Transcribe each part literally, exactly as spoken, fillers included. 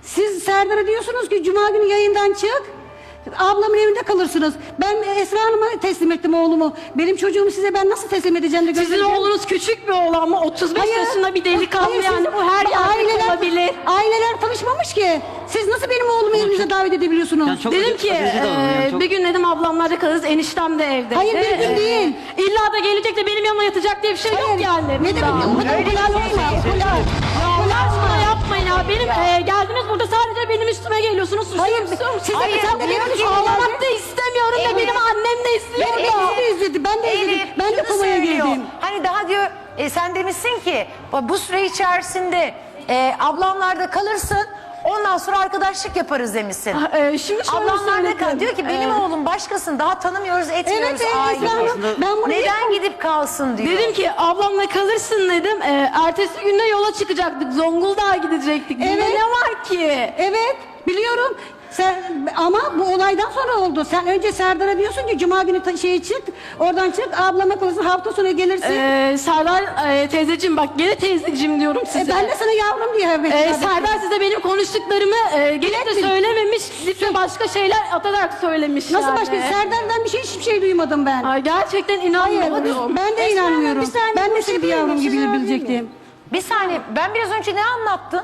Siz Serdar'a diyorsunuz ki Cuma günü yayından çık. Ablamın evinde kalırsınız. Ben Esra Hanım'a teslim ettim oğlumu. Benim çocuğumu size ben nasıl teslim edeceğim de Sizin göstereceğim? oğlunuz küçük bir oğlan ama otuz beş Hayır. yaşında bir delikanlı, Hayır, yani siz- bu her yerde aileler, olabilir. Aileler tanışmamış ki. Siz nasıl benim oğlumu evinize davet edebiliyorsunuz? Yani çok Dedim acı- ki acıcı davranıyor yani, e, çok- bir gün dedim ablamlarda kalırız, eniştem de evde. Hayır, bir gün değil. İlla da gelecek de benim yanıma yatacak diye bir şey yok yani. Ne demek? Daha. O kadar kolay olmaz. Kolay. Allah aşkına yapmayın ya. Benim e, geldiniz burada sadece benim üstüme geliyorsunuz. Hayır, suçluyorsunuz. siz de Hayır, sen de diyor benim ki üstüme ağlamak geldin. da istemiyorum da Evet. benim annem de istiyor Benim da. eşim de izledi. Ben de izledim. Elif, Ben de şunu komaya söylüyor. girdim. Hani daha diyor e, sen demişsin ki bu süre içerisinde e, ablamlarda kalırsın. Ondan sonra arkadaşlık yaparız demişsin. E, şimdi şöyle Ablamlarda kal. söyledim. Diyor ki benim E, oğlum başkasını daha tanımıyoruz, etmiyoruz Evet, evet, aile. Esra Hanım. Ben bunu Neden gidip kalsın diyor. Dedim ki ablamla kalırsın dedim. E, ertesi günde yola çıkacaktık. Zonguldak'a gidecektik. Bunda Evet. ne var ki? Evet, biliyorum. Sen, ama bu olaydan sonra oldu. Sen önce Serdar'a diyorsun ki Cuma günü ta- şeye çık, oradan çık, ablama kalırsın, hafta sonu gelirsin. E, Serdar e, teyzeciğim, bak gene teyzeciğim diyorum E, size. ben de sana yavrum diye evet. Ee, Serdar size benim konuştuklarımı e, gelip de Bilet mi? söylememiş, gidip de başka şeyler atarak söylemiş Nasıl yani. başka? Serdar'dan bir şey hiçbir şey duymadım ben. Ay, gerçekten Hayır, inanmıyorum. ben de Esra Hanım, inanmıyorum. bir saniye Ben de seni bir konuşabilir yavrum miyim? gibi Siz alabilir bilecektim. Bir saniye, ben biraz önce ne anlattın?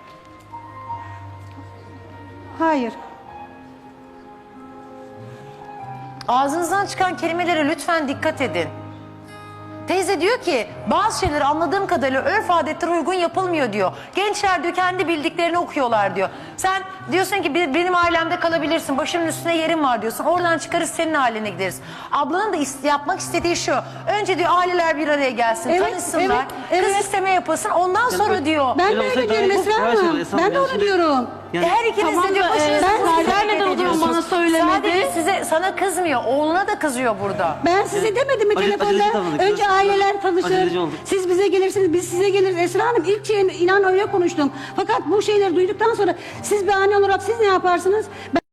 Hayır. Ağzınızdan çıkan kelimelere lütfen dikkat edin. Teyze diyor ki bazı şeyleri anladığım kadarıyla örf adetlere uygun yapılmıyor diyor. Gençler diyor kendi bildiklerini okuyorlar diyor. Sen diyorsun ki "Bir- benim ailemde kalabilirsin, başımın üstüne yerim var" diyorsun. Oradan çıkarız senin ailene gideriz. Ablanın da ist- yapmak istediği şu. Önce diyor aileler bir araya gelsin, Evet, tanışsınlar. evet, Kız evet. isteme yapılsın. Ondan sonra evet. diyor. Ben Öyle de öyle olsaydı diyorum daha iyi. Esra Her şey Hanım. var Esra Ben Hanım. de Yani onu şimdi- diyorum. Yani Her ikiniz Tamam de diyor da, başınızın e, üstüne Serdar yerim neden o zaman ediyorsunuz. bana söylemedi? Sadece size, sana kızmıyor. Oğluna da kızıyor burada. Ben size demedim mi Acı- telefonda? aceleci davrandık. Önce Biraz- aileler tanışır. aceleci olduk. Siz bize gelirsiniz, biz size geliriz. Esra Hanım ilk şeyin inan öyle konuştum. Fakat bu şeyleri duyduktan sonra siz bir anne olarak siz ne yaparsınız? Ben